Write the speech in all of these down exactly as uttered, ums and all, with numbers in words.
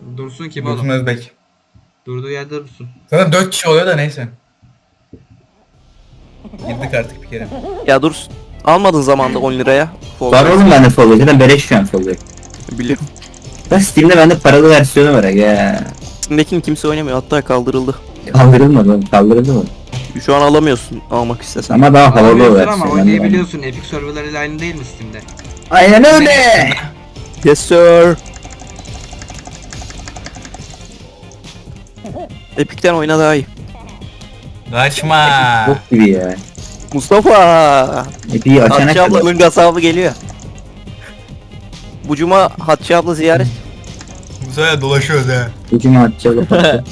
Dursun kim Dursun oğlum? Özbek. Durduğu yerde dursun. Zaten dört kişi oluyor da neyse. Girdik artık bir kere. Ya dur. Almadın zamanda on liraya. Fall Var Guys. oğlum bende Fall Guys. Zaten beleş şu an Fall Guys. Biliyorum. Ben Steam'de bende paralı versiyonu var ya. Steam'dekini kimse oynamıyor. Hatta kaldırıldı. Kaldırılmadı oğlum. Kaldırıldı mı? Şu an alamıyorsun almak istesen. Ama daha havalı o Alabiliyorsun versiyon. ama ben de oynayabiliyorsun. Epic serverlarıyla aynı değil mi Steam'de? ben- Aynen öyle. Yes sir. Epic'ten oyna daha iyi. Kaçma. Bok gibi ya. Mustafa. Epi'yi açana Hatice kadar. ablanın gazabı geliyor. Bu cuma Hatice abla ziyaret. Bu sefer dolaşıyoruz ha. Ucuma atacağız.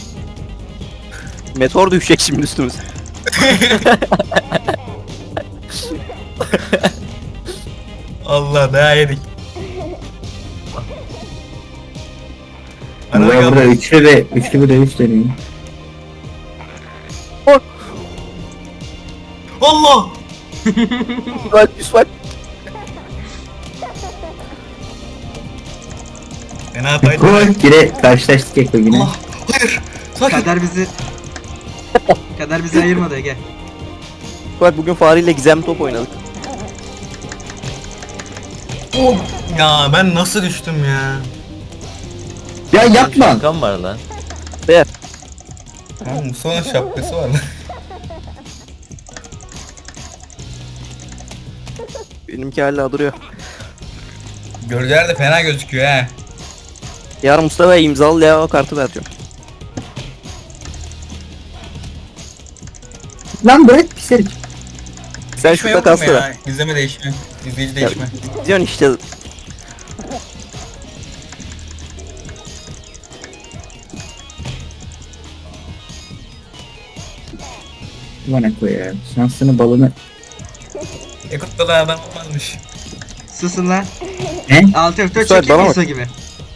Meteor düşecek şimdi üstümüze. Allah daha yedik. Ana Burada burada bakalım. üçlü ve üçlü bir dövüş dönüyor. Allah. Bak Yusuf. Fena fayda. Koy. Yine karşılaştık Eko yine. Allah. Hayır. Sakin. Kader bizi... Kader bizi ayırmadı Ege. Bak bugün fareyle gizem top oynadık. Oh. Ya ben nasıl düştüm ya? Ya yapma. Şapkam var lan. Ha, Musa'nın şapkası var lan. Benimki hala duruyor. Gölgeler de fena gözüküyor ha. Yarın Mustafa'ya imzalı Leo kartı vereceğim. Lan bırak pis herif. Sen Değişme şurada yok mu kalsana. ya? İzleme değişme. İzleyici değişme. Diyorsun işte. Bana koy ya. Şansını balını. Ekutta da adam olmazmış. Susun lan. Ne? Altı F dört Müsait, çekiyor bana bak. Musa gibi.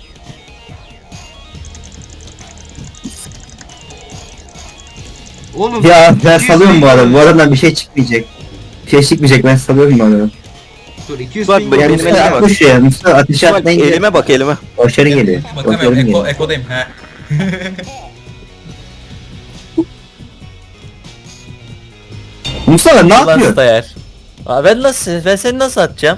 Oğlum. Ya ben iki yüz salıyorum bu bin arada. Bu dolar. aradan bir şey çıkmayacak. Bir şey çıkmayacak, ben salıyorum bu arada. Dur iki yüz Bak, bin bak, Ya Benim dolar. Mustafa elime bak. atmış ya. Mustafa ateşe Bak, atmayınca elime bak elime. başarı geliyor. Başarı Bakamıyorum. Eko, geliyor. Eko'dayım ha. Mustafa ne Lan yapıyor? Stayer. Aa, ben nasıl? Ben seni nasıl atacağım?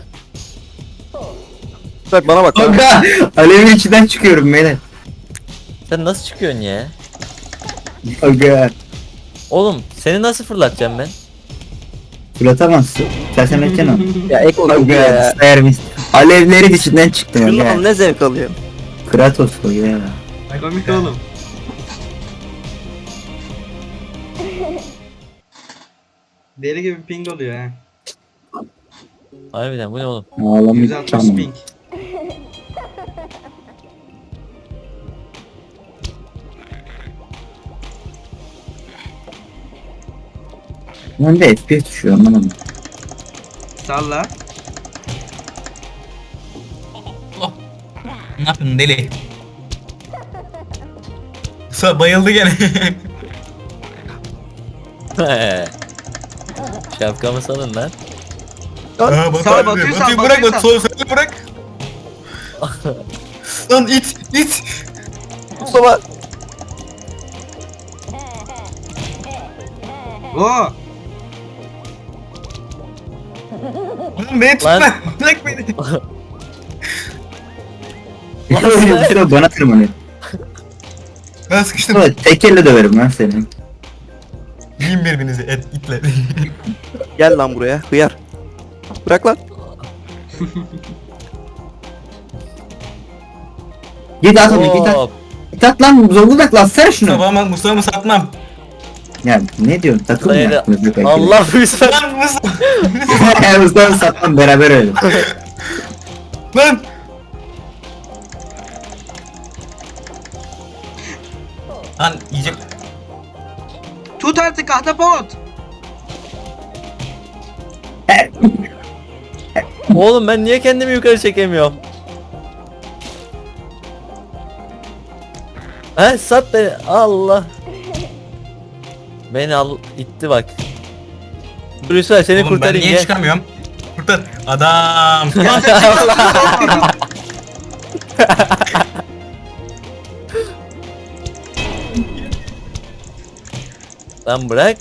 Bak bana bak. bana bak. Kanka alevin içinden çıkıyorum beyler. Sen nasıl çıkıyorsun ya? Kanka Oğlum seni nasıl fırlatacağım ben? fırlatamazsın. Sen edeceksin onu. Ya ek oldu Kanka ya. sayarmış. Alevlerin içinden çıktım Şundan ya. ne zevk alıyor. Kratos o ya. Komik oğlum. Deli gibi ping oluyor ha. Harbiden bu ne oğlum? Ağlamayı yüz altmış tamam. ping. Ben de F P S düşüyor anlamadım. Salla. Ne yapıyorsun deli? Musa bayıldı gene. Şapkamı salın lan. Aa, Batu Sağ, abi Batu'yu diyor. sal, Batu'yu bırak Batu'yu Batu. Sol seni bırak. Lan it it. Mustafa. Oo. Oğlum beni tutma. Lan. Bırak beni. Mustafa bana tırmanıyor. Ben sıkıştım. Mustafa tek elle döverim lan seni. Yiyin birbirinizi et itle. Gel lan buraya. Hıyar. Bırak lan. Git at onu git at. Hop. Git at lan Zonguldak lan sen şunu. Mustafa'ma Mustafa'mı satmam. Ya ne diyorsun takım mı Dayı- yaptınız? be kanka? Allah büyüsün. Lan Mustafa. Mustafa satmam beraber öyle. Lan. Lan yiyecek. Tut artık ahtapot. Oğlum ben niye kendimi yukarı çekemiyorum? He sat beni. Allah. Beni al itti bak. Dur Yusuf seni Oğlum ben kurtarayım niye gel. çıkamıyorum? Kurtar. Adam. Ya sen çıkma. Lan bırak.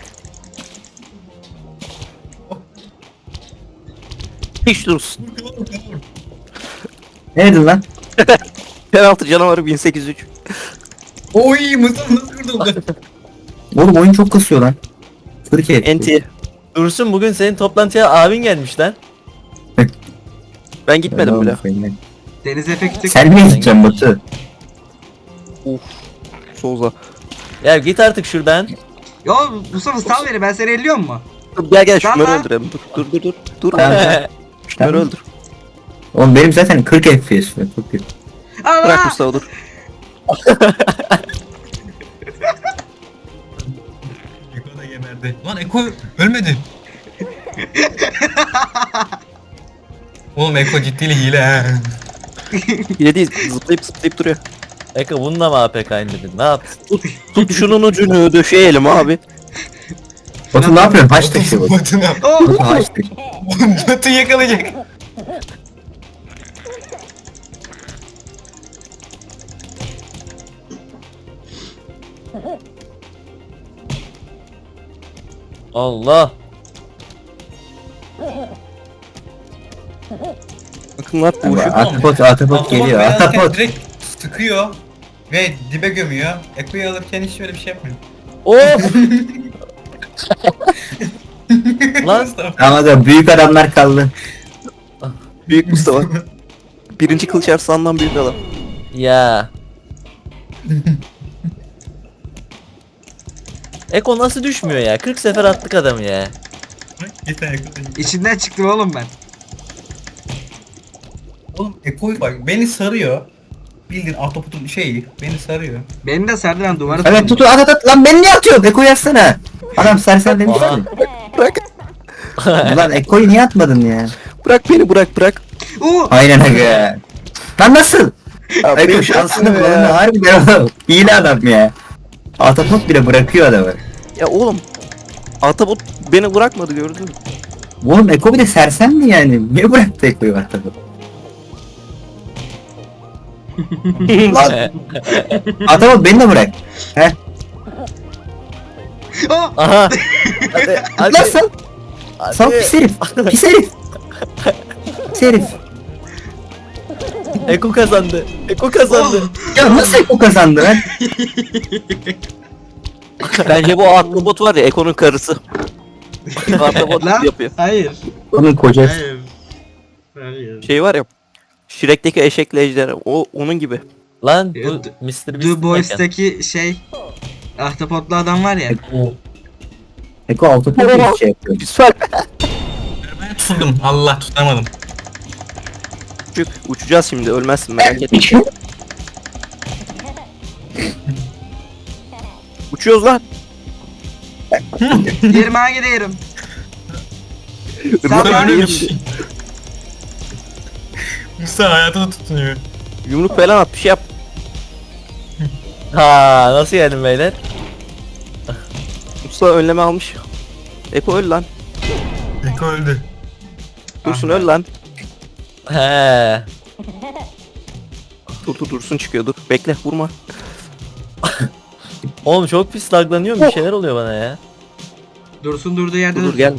Hiç dursun. Ne dedin lan? Penaltı canavarı bin sekiz yüz üç. Oy Mustafa nasıl kurtuldu? Oğlum oyun çok kasıyor lan. Türkiye. Enti. Dursun bugün senin toplantıya abin gelmiş lan. Ben gitmedim bile. Deniz efekti. Sen mi gideceksin Batu? Souza. Ya git artık şuradan. Yo Mustafa sal beni, ben seni elliyorum mu? Dur gel gel Tamam. şunları öldürelim. Dur dur dur dur. Dur. Tamam. Şunları Tamam. öldür. Oğlum benim zaten kırk F P S var. Çok kötü. Allah! Bırak Mustafa dur. Eko da geberdi. Lan Eko ölmedi. Oğlum Eko ciddiyle hile ha. Yine değil zıplayıp zıplayıp duruyor. Eka bununla mı A P K indirdin? Ne yaptın? Tut şunun ucunu döşeyelim abi. Batu ne yapıyorsun? Haç taşıyor Batu. Batına. Oh! Batu haç taşıyor. Batı yakalayacak. Allah. Bakın lan bu şu. Atapot, Atapot geliyor. beyaz iken Atapot. direkt sıkıyor ve dibe gömüyor. Eko'yu alırken hiç öyle bir şey yapmıyor. Of. Lan. Mustafa. Ama da büyük adamlar kaldı. Büyük Mustafa. Birinci kılıç arslandan büyük adam. Ya. Eko nasıl düşmüyor ya? kırk sefer attık adamı ya. Git lan Eko. İçinden çıktım oğlum ben. Oğlum Eko'yu bak beni sarıyor. Bildiğin Ahtapot'un şeyi beni sarıyor. Beni de sardı, ben duvara Evet tuttum. tutu at at at. Lan beni niye atıyorsun? Eko yazsana. Adam sersem demiş Aha. mi? Bırak. Ulan Eko'yu niye atmadın ya? Bırak beni bırak bırak. Oo! Aynen aga. Lan nasıl? Eko şansını kullanıyor. Harbiden oğlum. Hile adam ya. Atapot bile bırakıyor adamı. Ya oğlum. Atabot beni bırakmadı gördün mü? Oğlum Eko bir de sersem mi yani? Niye bıraktı Eko'yu Atapot? Lan Atapot beni de bırak. Heh. Oh! Aha. Hadi hadi. Lan sal. Sal hadi. pis herif. Pis herif. Pis herif. Eko kazandı. Eko kazandı. Ya nasıl Eko kazandı lan? Bence bu Atabot var ya Eko'nun karısı. Atabot Lan yapıyor. hayır. Onun kocası. Hayır. Hayır. Şey var ya. Shrek'teki eşekle ejderha. O onun gibi. Lan bu Ya, mister The Beast'in Boys'taki şey ahtapotlu adam var ya. Eko. Eko Atapot bir şey yapıyor. Güzel. Ben tutundum. Allah tutamadım. Çık, uçacağız şimdi ölmezsin merak etme. Uçuyoruz lan. Yerime gidiyorum. Mustafa Sen ölmemiş. Mustafa hayatına tutunuyor. Yumruk falan at bir şey yap. Ha nasıl yedim beyler? Mustafa önleme almış. Eko öl lan. Eko öldü. Dursun öl lan. He. Dur dur Dursun çıkıyor dur. Bekle vurma. Oğlum çok pis laglanıyorum, bir şeyler oluyor bana ya. Dursun durduğu yerde Dur dur dur. gel.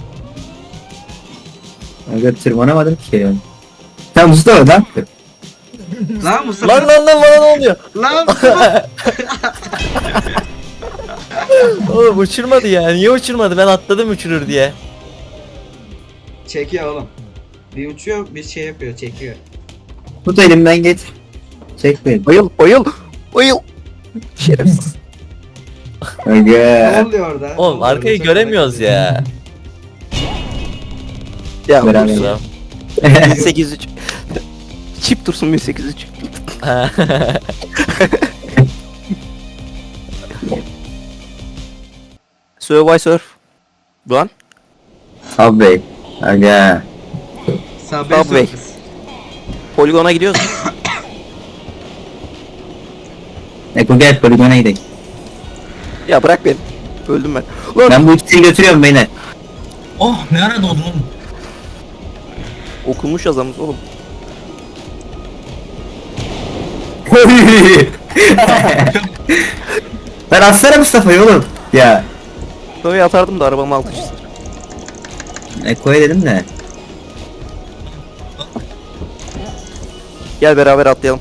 Aga tırmanamadım ki ya. Sen Mustafa ne yaptın? Lan Mustafa. Lan lan lan bana ne oluyor? Lan Mustafa. Oğlum uçurmadı ya. Niye uçurmadı? Ben atladım uçurur diye. Çekiyor oğlum. Bir uçuyor, bir şey yapıyor, çekiyor. Tut elimden git. Çek beni. Bayıl bayıl. Bayıl. Şerefsiz. Ne Aga. oluyor orada? Oğlum Ne oluyor? arkayı Çok göremiyoruz merak ya. Ya Beraber. Dursun. bin sekiz yüz üç. Çip Dursun bin sekiz yüz üç. Survive Surf. Lan. Subway. Aga. ediyorum. Subway Subway. Surfers. Poligona gidiyoruz. Eko gel poligona gidelim. Ya bırak beni. Öldüm ben. Lan. Ben bu ikisini götürüyorum beyler. Oh ne ara doğdun oğlum? Okunmuş yazamız oğlum. Ben atsana Mustafa'yı oğlum. Ya. Böyle atardım da arabamın altı çizdi. Eko'ya dedim de. Gel beraber atlayalım.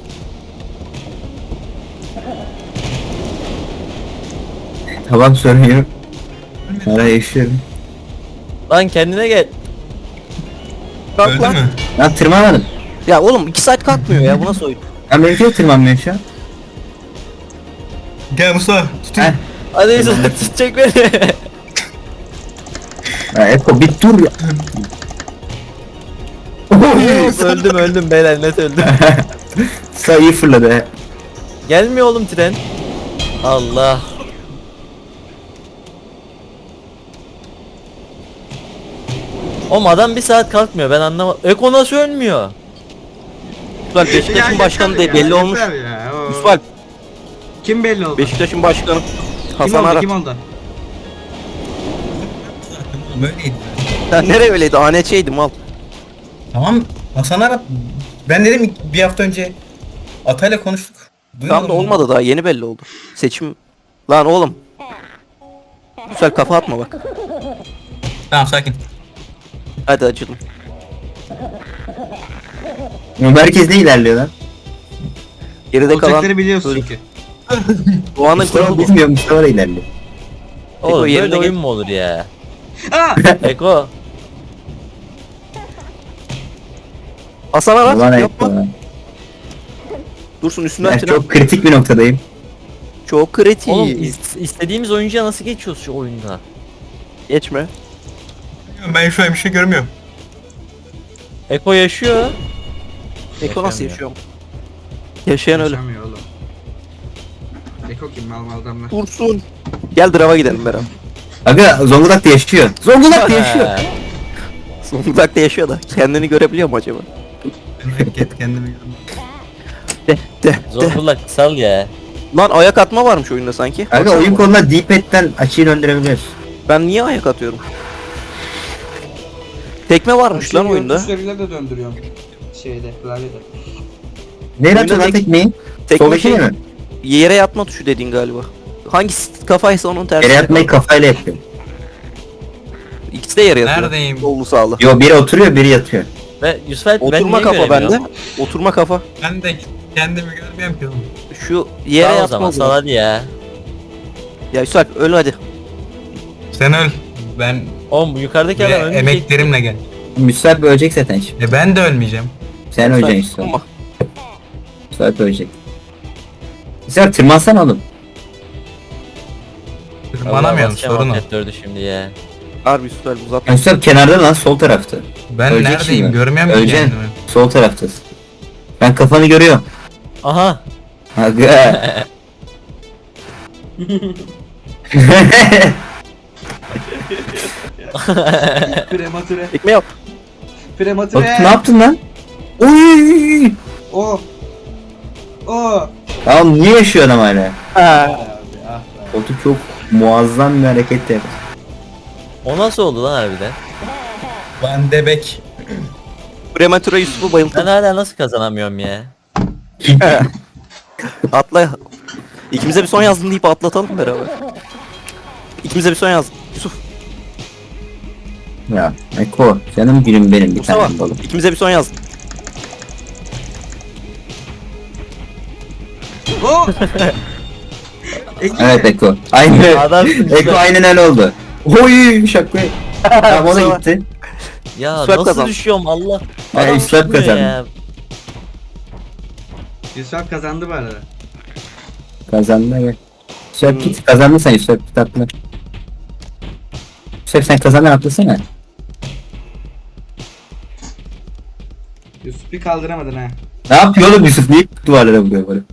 Tamam sorun yok. Hala yaşıyorum. Lan kendine gel. Kalk Öldü lan. mü? Lan tırmanmadım. Ya oğlum iki saat kalkmıyor ya, bu nasıl oyun? Lan benimki de tırmanmıyor şu an. Gel Musa. Tutun. Heh. Hadi Yusuf tutacak beni. Ya Eko bir dur ya. öldüm öldüm beyler, net öldüm. Sağ iyi fırladı he. Gelmiyor oğlum tren. Allah. Oğlum adam bir saat kalkmıyor, ben anlamadım. Eko nasıl ölmüyor? Lan Beşiktaş'ın başkanı da belli olmuş. Yusuf Alp, Kim belli oldu? Beşiktaş'ın başkanı Kim Hasan oldu? Arat. Kim oldu? Böyleydi. Sen nereye öyleydi? A N Ç'ydim al. Tamam Hasan Arat. Ben dedim bir hafta önce Atay'la konuştuk. Tam da olmadı daha, yeni belli oldu. Seçim. Lan oğlum. Güzel kafa atma bak. Tamam sakin. Hadi acıdım. Merkez ne ilerliyor lan? Geride kalan Olacakları biliyorsun Öyle. çünkü. Doğan'ın Mustafa kuralı bu. bilmiyor, Mustafa da ilerliyor. Oğlum yerine böyle gel. oyun mu olur ya? Aa! Eko. Hasan Arat Ulan yapma. Eko. Dursun üstünden Ben tren. çok kritik bir noktadayım. Çok kritik. Oğlum is- istediğimiz oyuncuya nasıl geçiyoruz şu oyunda? Geçme. Ben şu an bir şey görmüyorum. Eko yaşıyor. Eko nasıl Yaşamıyor. yaşıyor? Yaşayan öyle. Yaşamıyor oğlum. Eko kim mal mal adamlar. Dursun. Gel drava gidelim beraber. Aga Zonguldak'ta yaşıyor. Zonguldak'ta yaşıyor. Ha. Zonguldak'ta yaşıyor da kendini görebiliyor mu acaba? Git kendimi görmüyorum. De de de. Zonguldak sal ya. Lan ayak atma varmış oyunda sanki. Aga Baksana oyun bak. konuda D-pad'den açıyı döndürebiliyoruz. Ben niye ayak atıyorum? Tekme varmış lan oyunda. Tuşlarıyla da döndürüyorum. Şeyde, klavyede. Nereye Oyunda atıyor lan tek- tekmeyi? Tekme Soldaki şey, mi? yere yatma tuşu dediğin galiba. Hangisi kafaysa onun tersi. Yere yatmayı kafayla yapıyor. İkisi de yere yatıyor. Neredeyim? Sollu sağlı. Yo biri oturuyor biri yatıyor. Ve Yusuf Alp, ben Oturma niye kafa bende. göremiyorum? Oturma kafa. Ben de kendimi görmüyorum ki oğlum. Şu yere Sağ o yatma zaman, o sal zaman. hadi ya. Ya Yusuf öl hadi. Sen öl. Ben Oğlum bu yukarıdaki ve adam ölmeyecek. emeklerimle gel. Müsait ölecek zaten şimdi. E ben de ölmeyeceğim. Sen Yusuf, öleceksin işte. ama Müsait ölecek. Güzel tırmansana oğlum. Tırmanamıyorum sorun o. dördü şimdi ya. Harbi Yusuf uzatma. Müsait kenarda lan sol tarafta. Ben Ölecek neredeyim şimdi. görmüyorum ki Öleceksin. kendimi. Sol taraftasın. Ben kafanı görüyorum. Aha. Aga. Prematüre. Tekme yap. Bak Prematüre. ne yaptın lan? Oy! O. O. Tamam niye yaşıyor adam hala? Abi ah. Koltuk çok muazzam bir hareket yaptı. O nasıl oldu lan harbiden? Van de Beek. Prematura Yusuf'u Ben bayılttım. hala nasıl kazanamıyorum ya? Atla. İkimize bir son yazdın deyip atlatalım beraber. İkimize bir son yazdın. Yusuf. Ya Eko canım gülüm benim bir Mustafa. tane balım. İkimize bir son yazdın. O. Ege. Evet Eko. Aynı. Adamsın işte. Eko aynen öyle oldu. Oy şaka. Tamam o da Mustafa. gitti. Ya Yusuf nasıl kazandı. düşüyorum Allah. Ha, Adam Yusuf tutmuyor kazandı. ya. Yusuf kazandı bu arada. Kazandı evet. Yusuf git kazandın sen Yusuf git atla. Yusuf sen kazandın atlasana. Yusuf bir kaldıramadın ha. Ne yapıyor oğlum Yusuf? Niye duvarlara vuruyor böyle?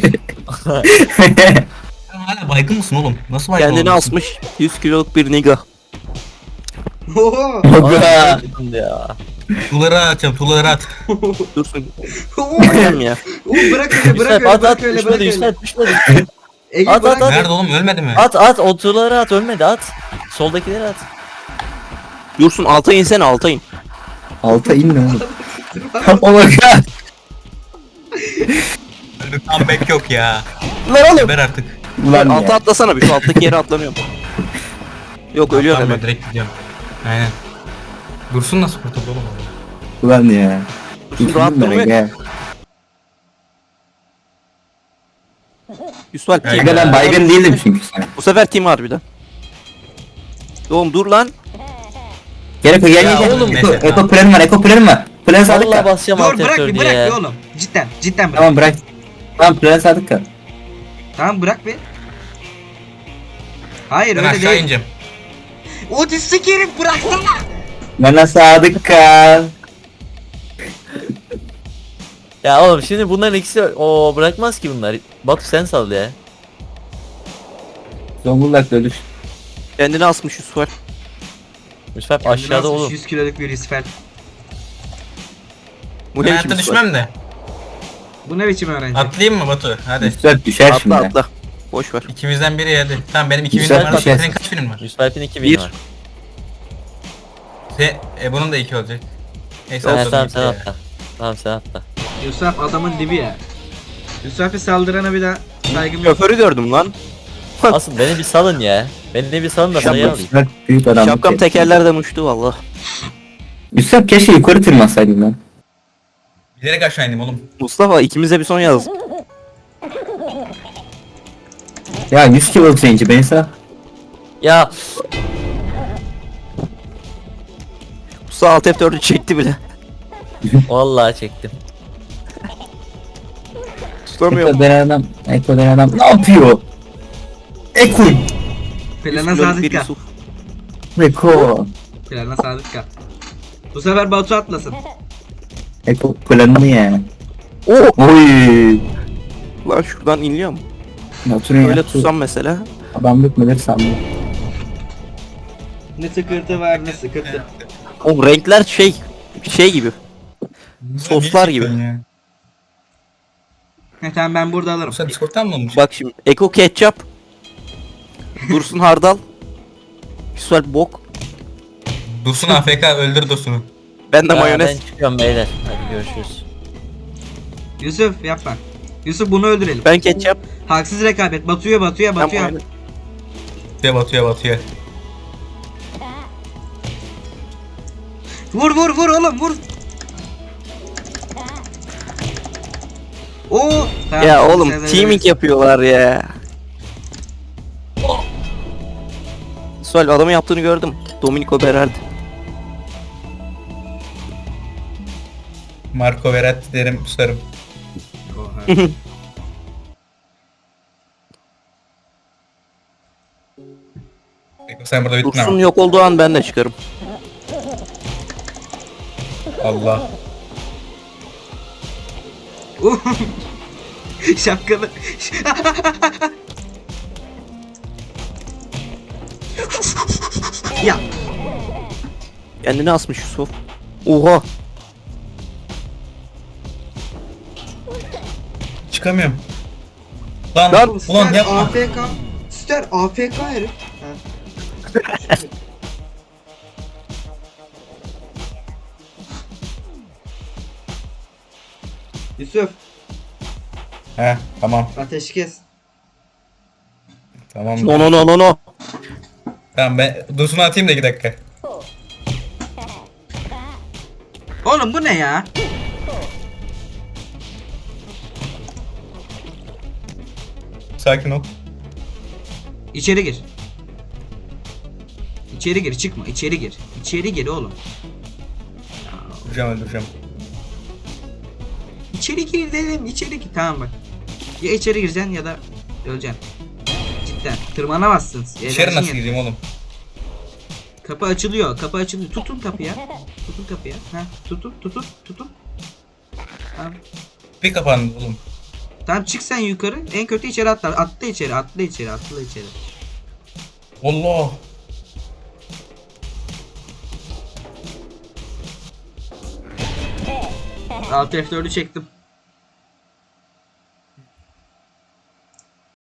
Sen hala baygın mısın oğlum? Nasıl baygın Kendini olmuşsun? asmış yüz kiloluk bir niga. Oo. Aga. Şimdi ya. Tuğları atacağım tuğları at. Dursun. Oo. Aynen ya. Oo, bırak öyle Yusuf bırak Alp öyle at bırak at öyle düşmedi bırak Yusuf öyle. Alp düşmedi. Ege At, bırak. at, at. Nerede oğlum ölmedi mi? At at oturları at, ölmedi at. Soldakileri at. Dursun alta insene alta in. Alta inme oğlum. Oh my god. Öyle comeback yok ya. Lan oğlum. Geber artık. Ulan Alta ya. atlasana bir, şu alttaki yere atlanıyorum. Yok ölüyor Tamam, hemen. ben direkt gidiyorum. Aynen. Dursun nasıl kurtuldu oğlum orada? Ulan ya. Dursun rahat İkinci durmuyor. gel. Yusuf Alp Aynen. team. Aga ben baygın değildim çünkü sana. Bu sefer team harbiden. Oğlum dur lan. Gel Eko gel Ya gel gel. oğlum, Eko, neyse, Eko tamam. planım var. Eko planım var. Plan sadık Vallahi kal. basacağım Dur alt bırak F bir dört bırak ya. bir oğlum. Cidden cidden bırak. Tamam bırak. Tamam plan sadık kal. Tamam bırak bir. Hayır Ben öyle aşağı değil. ineceğim. O sikerim bıraksana. Bana sadık kal. Ya oğlum şimdi bunların ikisi o bırakmaz ki bunlar. Batu sen sal ya. Zonguldak'ta ölür. Kendini asmış Yusuf Alp. Yusuf Alp Kendini aşağıda asmış oğlum. yüz kiloluk bir isfel. Bu Ben ne biçim hayatta Yusuf Alp? düşmem de. Bu ne biçim öğrenci? Atlayayım mı Batu? Hadi. Üstad düşer şimdi. Atla atla. Boş ver. İkimizden biri hadi. Tamam benim iki Güzel binim var. bir şey. Senin kaç binin var? Yusuf Alp'in iki bin Bir. var. Se e, bunun da iki olacak. Neyse Ha, atladım tamam gitti sen ya. atla. Tamam sen atla. Yusuf adamın dibi ya. Yusuf'a saldırana bir daha saygım yok. Şoförü gördüm lan. Asıl beni bir salın ya. Beni de bir salın da sayı alayım. Üstad büyük adam. Şapkam tekerlerden uçtu valla. Üstad keşke yukarı tırmansaydın lan. Bilerek aşağı indim oğlum. Mustafa ikimize bir son yaz. Ya yüz kilo change beni sağ. Ya Mustafa alt F dördü çekti bile. vallahi çektim. Tutamıyorum. Eko denen adam. Eko denen adam. Ne yapıyor? Eko. Plana Kiloluk sadık bir kal. Yusuf. Eko. Plana sadık kal. Bu sefer Batu atlasın. Eko planını ya. Oo. Oy. Lan şuradan inliyor mu? Oturun Öyle ya. tutsam mesela. Adam bitmedi sandım. Ne sıkıntı var ne sıkıntı. O renkler şey şey gibi. Soslar gibi. Ya. He tamam ben burada alırım. Sen Discord'tan mı olmuş? Bak şimdi Eko ketçap. Dursun hardal. Yusuf Alp bok. Dursun A F K öldür Dursun'u. Ben de Aa, mayonez. Ben çıkıyorum beyler. Hadi görüşürüz. Yusuf yapma. Yusuf bunu öldürelim. Ben ketçap. Haksız rekabet. Batu'ya Batu'ya Ben Batu'ya. mayonez. Batıya batıya batıya. Vur vur vur oğlum vur. Oo. Tamam, Ya tamam, oğlum sen de teaming verirsin. yapıyorlar ya. Yusuf Alp adamın yaptığını gördüm. Dominico Berardi. Marco Verratti derim susarım. Oha. Eko sen burada bittin Dursun ama. yok olduğu an ben de çıkarım. Allah. Şapkalı. Ya Kendini asmış Yusuf. Oha. Çıkamıyorum. Lan Lan, ulan yapma. A F K. Ster A F K herif. Ha. Yusuf He tamam ateşi kes. tamam. No no no no no. Tamam ben Dursun'u atayım da iki dakika. Oğlum bu ne ya? Sakin ol. İçeri gir. İçeri gir çıkma içeri gir. İçeri gir oğlum. Duracağım öldüreceğim. İçeri gir dedim içeri gir. Tamam bak. Ya içeri gireceksin ya da öleceksin. Cidden tırmanamazsın. İçeri Enerjin nasıl yet- gireyim oğlum? Kapı açılıyor. Kapı açılıyor. Tutun kapıya. Tutun kapıya. Ha, tutun, tutun, tutun. Tamam. Bir kapandı oğlum. Tamam çık sen yukarı. En kötü içeri atla. Atla içeri, atla içeri, atla içeri. Allah. Alt F dördü çektim.